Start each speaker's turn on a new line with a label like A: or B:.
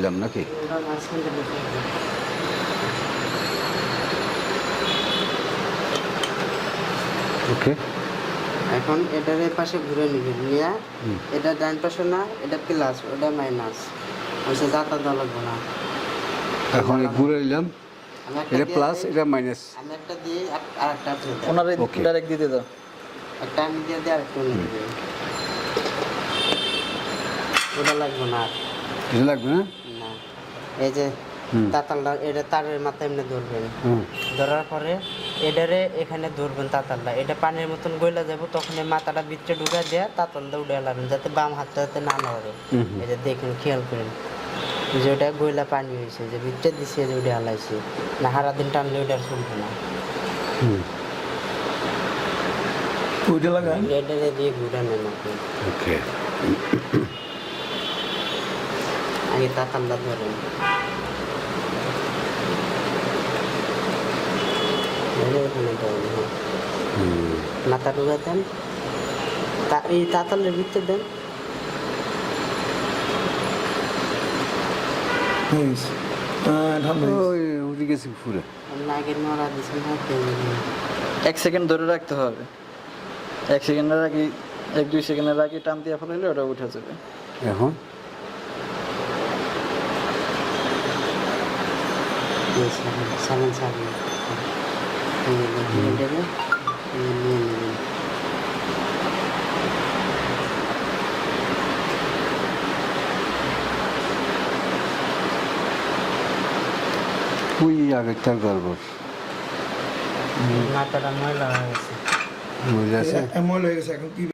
A: দিলাম নাকি?
B: ওটা মাঝখান থেকে বসে আছে।
A: ওকে।
B: এখন এটার এই পাশে ঘুরে নিবেন নিয়ে এটা ডান পাশে না, এটা প্লাস ওটা মাইনাস হচ্ছে, যাতা দেওয়া লাগবে না।
A: এখন ঘুরে নিলাম,
B: আমি একটা
A: এটা
B: দিয়ে
A: প্লাস
B: দেই,
A: এটা মাইনাস।
B: আমি একটা দিয়ে আর একটা আপনি দেন।
C: ওনারে
A: Okay.
C: ডাইরেক্ট দিতে দাও।
B: একটা আমি দিয়ে দিই, আরেকটা উনি দিবেন। ওটা লাগবে না আর।
A: এটা লাগবে না?
B: না, এই যে
A: হুম।
B: তাতালটা এটা তারের মাথায় এমনি ধরবেন,
A: হুম।
B: ধরার পরে এটারে এখানে ধরবেন তাতালটা, এটা পানির মতন গইলা যাব, তখন এই মাথাটা ভিতরে ঢুকা দেওয়া তাতালটা উঠে লাবেন, যাতে বাম হাতটা যাতে না নড়ে। এই যে দেখুন, খেয়াল করেন যে ওটা গইলা পানি হয়েছে, যে ভিতরে দিছে যে উঠে হালাইছে না, সারা দিন টানলে ওটা আর চলবে না।
C: ওইটা লাগান।
B: এটারে দিয়ে ঘুরে নেন আপনি,
A: ওকে।
B: আগে তাতালটা ধরেন, ধরে এখানে ধরেন, হ্যাঁ। মাথা ঢুকা দেন, এই তাতালের ভিতরে দেন।
A: ওই উঠে গেছি ফুলে।
B: আগে নড়া দিচ্ছেন হাতে,
C: 1 সেকেন্ড ধরে রাখতে হবে। 1 সেকেন্ডের আগে 1-2 সেকেন্ডের আগে টান দিয়ে ফেলাইলে ওটা উঠে যাবে।
A: এখন
B: সামন সামন নিয়ে নেবেন।
A: ওই আগেরটার গড়বড়
B: মাথাটা ময়লা হয়ে গেছে।
A: মহিলা আছে।
D: এমন হয়ে গেছে এখন কি